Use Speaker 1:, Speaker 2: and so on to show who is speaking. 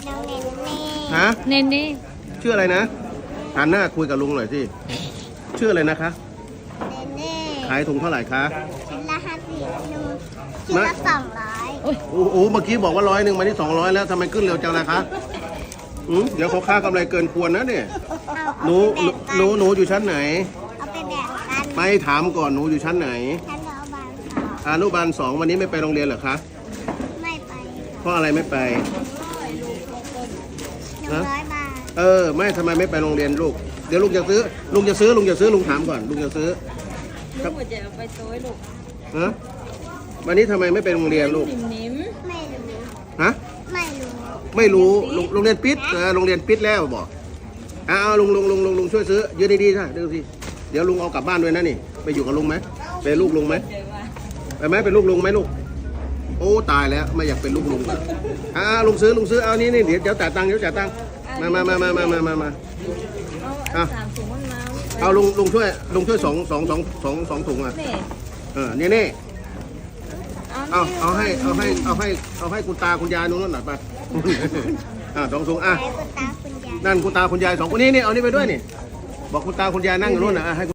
Speaker 1: น้องเนนเน่
Speaker 2: ฮะ
Speaker 3: เนเน่
Speaker 2: ชื่ออะไรนะหันหน้าคุยกับลุงหน่อยสิชื่ออะไรนะคะ
Speaker 1: เนนเน่
Speaker 2: ขายถุงเท่าไหร่คะ
Speaker 1: ชิ้นละ50นูชิ้นละ200
Speaker 2: โอ้โหเมื่อกี้บอกว่า100มาที่200แล้วทำไมขึ้นเร็วจังล่ะคะเดี๋ยวเขาค่ากำไรเกินควรนะเนี่ย
Speaker 1: เอา
Speaker 2: หนูอยู่ชั้นไหน
Speaker 1: เอาไปแบ่งกัน
Speaker 2: ไม่ถามก่อนหนูอยู่ชั้นไหน
Speaker 1: ท่านเอาบางสอง
Speaker 2: อนุบาล2วันนี้ไม่ไปโรงเรียนเหรอคะ
Speaker 1: ไม่ไป
Speaker 2: เพราะอะไรไม่ไป
Speaker 1: 100 บาท
Speaker 2: ไม่ทำไมไม่ไปโรงเรียนลูกเดี๋ยวลุงจะซื้อลุงถามก่อนลุงจะซื้อ
Speaker 3: ลูกหัวใจเอาไปโต้ยลูก
Speaker 2: ฮะวันนี้ทำไมไม่ไปโรงเรียนลูก
Speaker 3: นิ่ม
Speaker 1: ไม่รู้
Speaker 2: ฮะ
Speaker 1: ไม่รู้
Speaker 2: โรงเรียนปิดโรงเรียนปิดแล้วบอกเอาลุงช่วยซื้อยืนดีๆใช่ดูสิเดี๋ยวลุงเอากลับบ้านด้วยนะนี่ไปอยู่กับลุงไหมเป็นลูกลุงไหม
Speaker 3: ๆเดี๋ยวว่า
Speaker 2: ไปไหมเป็นลูกลุงไหมลูกโอ้ตายแล้วไม่อยากเป็นลูกลุงเลยลุงซื้อเอานี่เดี๋ยวจ่ายตังค์มา
Speaker 3: เอา3 ถุงมันมา
Speaker 2: เอาลุงช่วยสองถุงอ่ะ
Speaker 3: นี่
Speaker 2: นี่เอาให้คุณตาคุณยายนู้นหน่อยไป2 ถุง
Speaker 1: ให้คุณตาคุณยาย
Speaker 2: นั่นคุณตาคุณยาย2 คนนี้นี่เอานี่ไปด้วยนี่บอกคุณตาคุณยายนั่งอยู่นู้นนะให้